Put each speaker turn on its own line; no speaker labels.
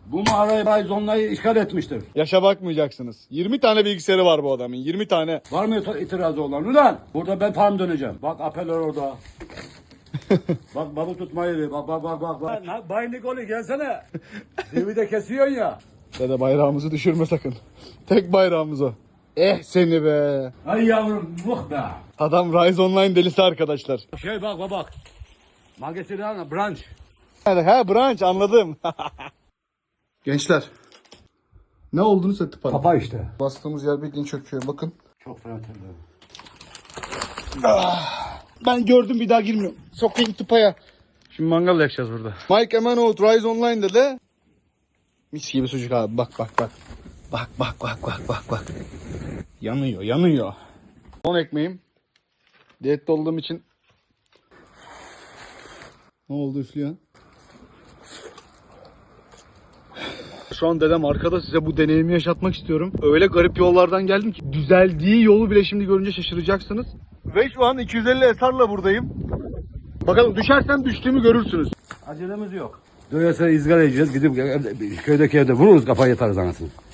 Bu mağarayı Bayzonlayı işgal etmiştir.
Yaşa bakmayacaksınız. 20 tane bilgisayarı var bu adamın. 20 tane.
Var mı itirazı olan? Ulan burada ben farm döneceğim. Bak apeler orada. Bak balık tutmayı bak. Bay Nikoli gelsene. Evi de kesiyorsun ya.
Dede bayrağımızı düşürme sakın. Tek bayrağımız o. Seni be.
Ay yavrum vuh be.
Adam Rise Online delisi arkadaşlar.
Bak. Magazin branch.
Ha branch anladım. Gençler. Ne olduğunu söktü para.
Kapa işte.
Bastığımız yer bildiğin çöküyor bakın.
Çok fena terledim.
Ben gördüm bir daha girmiyorum. Sokayım tıpaya. Şimdi mangal yakacağız burada. Mike Emanoğlu Rise Online'da de mis gibi sucuk abi bak. Bak. Yanıyor. Son ekmeğim. Diyette olduğum için. Ne oldu üflüyor? Şu an dedem arkada size bu deneyimi yaşatmak istiyorum. Öyle garip yollardan geldim ki düzeldiği yolu bile şimdi görünce şaşıracaksınız. Ve şu an 250 SR'la buradayım. Bakalım düşersem düştüğümü görürsünüz.
Acelemiz yok. Doyasa izgara yiyeceğiz. Gidip köydeki evde vururuz kafayı yatarız anasını.